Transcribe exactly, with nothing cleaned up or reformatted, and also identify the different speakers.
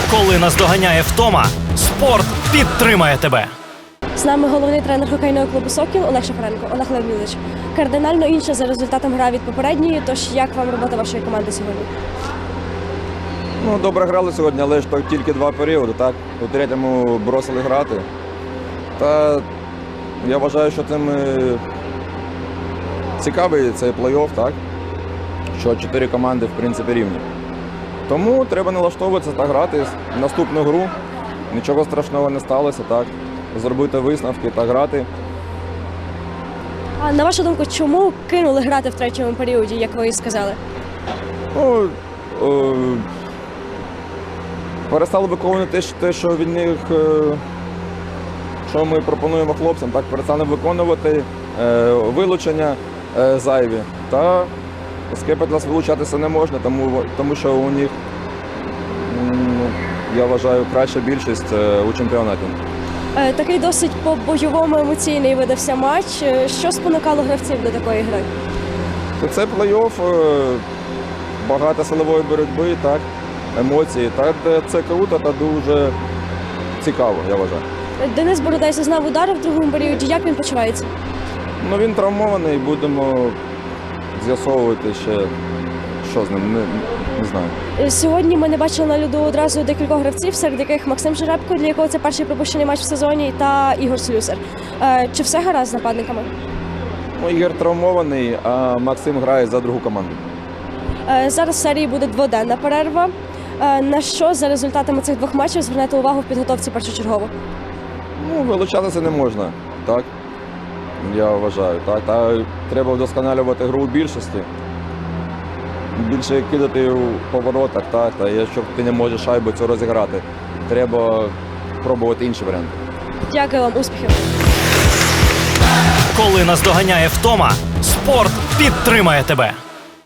Speaker 1: Коли наздоганяє втома, спорт підтримає тебе.
Speaker 2: З нами головний тренер хокейного клубу «Сокіл» Олег Шафаренко. Олег Леонідович, кардинально інша за результатом гра від попередньої, тож як вам робота вашої команди сьогодні?
Speaker 3: Ну, добре грали сьогодні, але ж то тільки два періоди, так? У третьому бросили грати. Та я вважаю, що тим е, цікавий цей плей-офф, так? Що чотири команди, в принципі, рівні. Тому треба налаштовуватися та грати наступну гру. Нічого страшного не сталося, так? Зробити висновки та грати.
Speaker 2: А на вашу думку, чому кинули грати в третьому періоді, як ви і сказали?
Speaker 3: Ну, е, перестали виконувати те, що від них, е, що ми пропонуємо хлопцям, так, перестали виконувати е, вилучення е, зайві. Та з Кепетлас вилучатися не можна, тому, тому що у них, м, я вважаю, краща більшість е, у чемпіонаті.
Speaker 2: Е, Такий досить по-бойовому емоційний видався матч. Е, Що спонукало гравців до такої гри?
Speaker 3: Це плей-офф, е, багато силової боротьби, так, емоції. Так, це круто та дуже цікаво, я вважаю.
Speaker 2: Е, Денис Бородай зазнав удари в другому періоді. Як він почувається?
Speaker 3: Ну, він травмований, будемо з'ясовувати ще, що з ним, не, не знаю.
Speaker 2: Е, Сьогодні ми не бачили на льоду одразу декількох гравців, серед яких Максим Жеребко, для якого це перший пропущений матч в сезоні, та Ігор Слюсар. Е, Чи все гаразд з нападниками?
Speaker 3: Ну, Ігор травмований, а Максим грає за другу команду.
Speaker 2: Е, Зараз в серії буде дводенна перерва. Е, На що за результатами цих двох матчів звернете увагу в підготовці першочергово?
Speaker 3: Ну, вилучатися не можна, так? Я вважаю, так. Та треба вдосконалювати гру у більшості. Більше кидати у поворотах, так. Та якщо ти не можеш шайбу цю розіграти, треба пробувати інші варіанти.
Speaker 2: Дякую вам, успіхів!
Speaker 1: Коли наздоганяє втома, спорт підтримає тебе.